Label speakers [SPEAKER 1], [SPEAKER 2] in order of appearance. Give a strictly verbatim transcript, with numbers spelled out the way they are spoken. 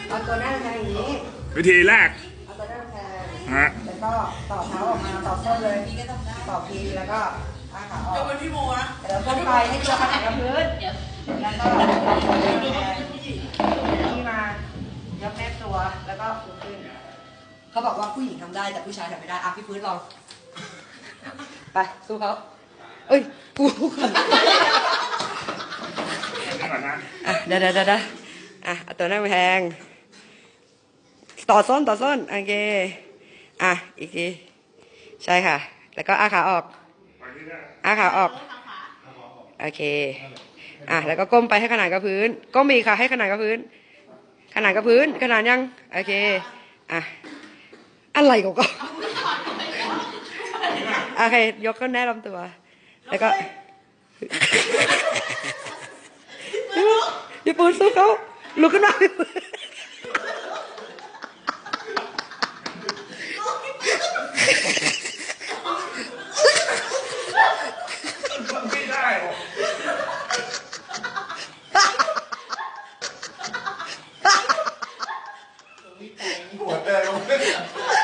[SPEAKER 1] เอาตัวหน้าแทงอย่างนี้
[SPEAKER 2] วิธีแรก
[SPEAKER 1] เอาตัวหน้าแทง
[SPEAKER 2] ฮะ
[SPEAKER 1] แล้วก็ต่อเท้าออกมาต่อส้นเลยต่อพีแล้วก็อ้าขาออกยกเป็นพี่โมนะเดี๋ยวก้มไปให้ตัวขนาดกับพื้นแล้วก็นี่มายกแนบตัวแล้วก็ฟูขึ้นเขาบอกว่าผู้หญิงทำได้แต่ผู้ชายทำไม่ได้อ่ะพี่พื้นลองไปสู้เขาเอ้ยกูก่อนอ่ะเดี๋ยวเดี๋ยวเดี๋ยวอ่ะตัวหน้าแพงต่อส้นต่อส้นโอเคอ่ะอีกทีใช่ค่ะแล้วก็อาขาออกอาขาออกโอเคอ่ะแล้วก็ก้มไปให้ขนาดกับพื้นก้มอีกค่ะให้ขนาดกับพื้นขนาดกับพื้นขนาดยังโอเคอ่ะอะไรก็ก็โอเคยกก็แน่ลำตัวแล้วก็พี่ปูนสู้เขาลุกขึ้นมา
[SPEAKER 2] ไม่ได้หัวเตะลง